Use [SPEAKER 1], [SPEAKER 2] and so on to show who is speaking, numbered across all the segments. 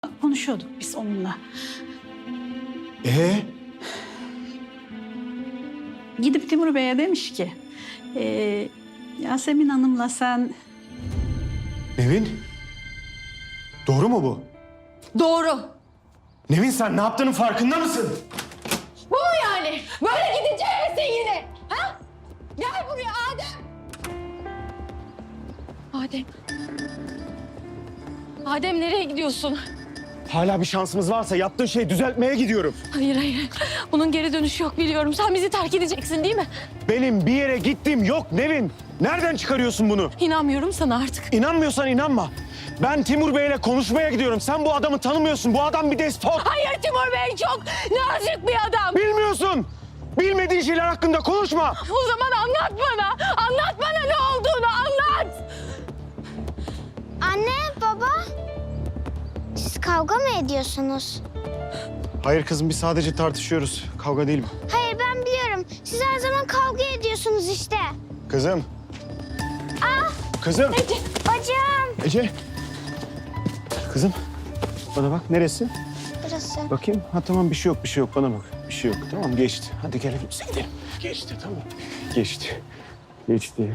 [SPEAKER 1] konuşuyorduk biz onunla. Gidip Timur Bey'e demiş ki... Yasemin Hanım'la sen...
[SPEAKER 2] Nevin? Doğru mu bu?
[SPEAKER 3] Doğru.
[SPEAKER 2] Nevin sen ne yaptığının farkında mısın?
[SPEAKER 3] Bu mu yani? Böyle gidecek misin yine? Ha? Gel buraya Adem. Adem. Adem nereye gidiyorsun?
[SPEAKER 2] Hala bir şansımız varsa yaptığın şeyi düzeltmeye gidiyorum.
[SPEAKER 3] Hayır hayır. Bunun geri dönüşü yok biliyorum. Sen bizi terk edeceksin değil mi?
[SPEAKER 2] Benim bir yere gittiğim yok Nevin. Nereden çıkarıyorsun bunu?
[SPEAKER 3] İnanmıyorum sana artık.
[SPEAKER 2] İnanmıyorsan inanma. Ben Timur Bey'le konuşmaya gidiyorum. Sen bu adamı tanımıyorsun. Bu adam bir despot.
[SPEAKER 3] Hayır Timur Bey çok nazik bir adam.
[SPEAKER 2] Bilmiyorsun. Bilmediğin şeyler hakkında konuşma.
[SPEAKER 3] O zaman anlat bana. Anlat bana ne olduğunu anlat.
[SPEAKER 4] Anne, baba. Siz kavga mı ediyorsunuz?
[SPEAKER 2] Hayır kızım biz sadece tartışıyoruz. Kavga değil bu.
[SPEAKER 4] Hayır, ben biliyorum. Siz her zaman kavga ediyorsunuz işte.
[SPEAKER 2] Kızım. Kızım.
[SPEAKER 4] Bacım.
[SPEAKER 2] Ece. Kızım. Bana bak neresi?
[SPEAKER 4] Burası.
[SPEAKER 2] Bakayım. Ha tamam bir şey yok bir şey yok bana bak. Bir şey yok tamam geçti. Hadi gel hepimize gidelim. Geçti tamam. Geçti. Geçti.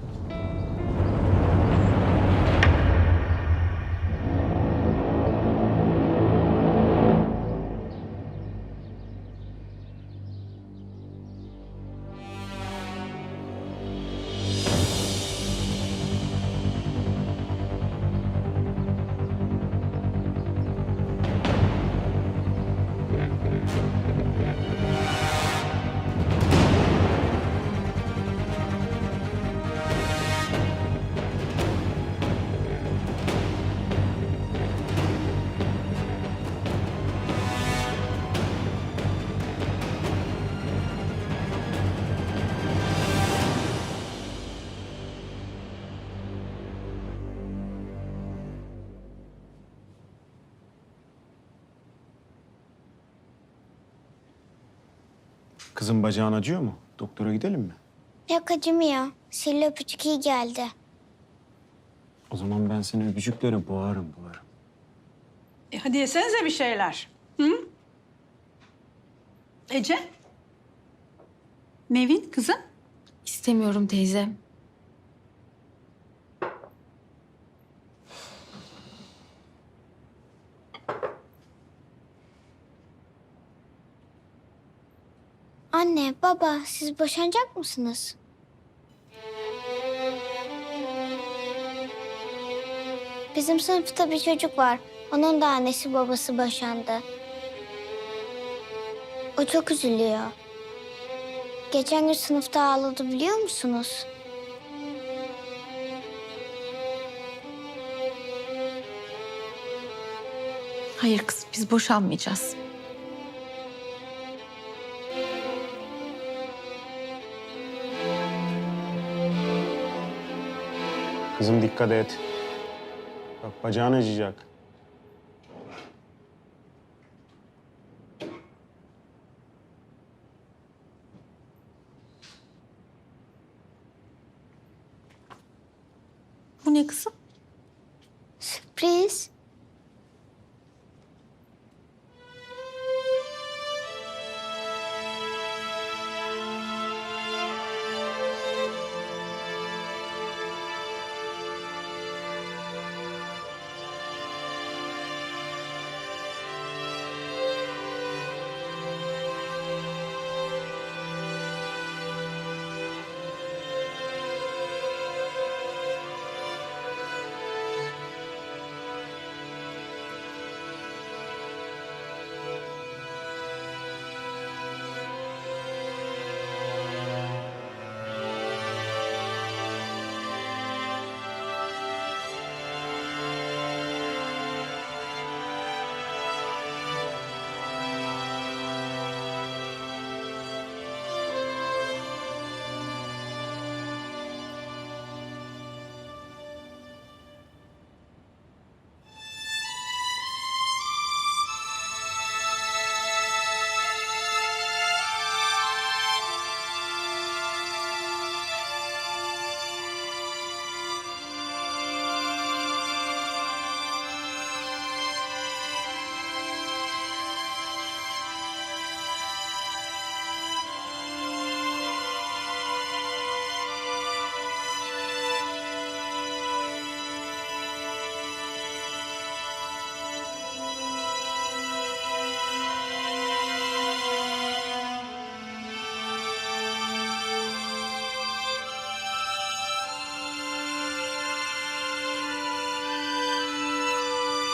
[SPEAKER 2] Kızım bacağın acıyor mu? Doktora gidelim mi?
[SPEAKER 4] Yok, acımıyor. Sihirli öpücük iyi geldi.
[SPEAKER 2] O zaman ben seni öpücüklere boğarım.
[SPEAKER 1] Hadi yesenize bir şeyler. Hı? Ece? Nevin kızım?
[SPEAKER 3] İstemiyorum teyze.
[SPEAKER 4] Anne, baba, siz boşanacak mısınız? Bizim sınıfta bir çocuk var. Onun da annesi babası boşandı. O çok üzülüyor. Geçen gün sınıfta ağladı biliyor musunuz?
[SPEAKER 3] Hayır kız biz boşanmayacağız.
[SPEAKER 2] Kızım dikkat et. Bak bacağın acıyacak.
[SPEAKER 3] Bu ne kızım?
[SPEAKER 4] Sürpriz.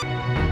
[SPEAKER 4] Baba.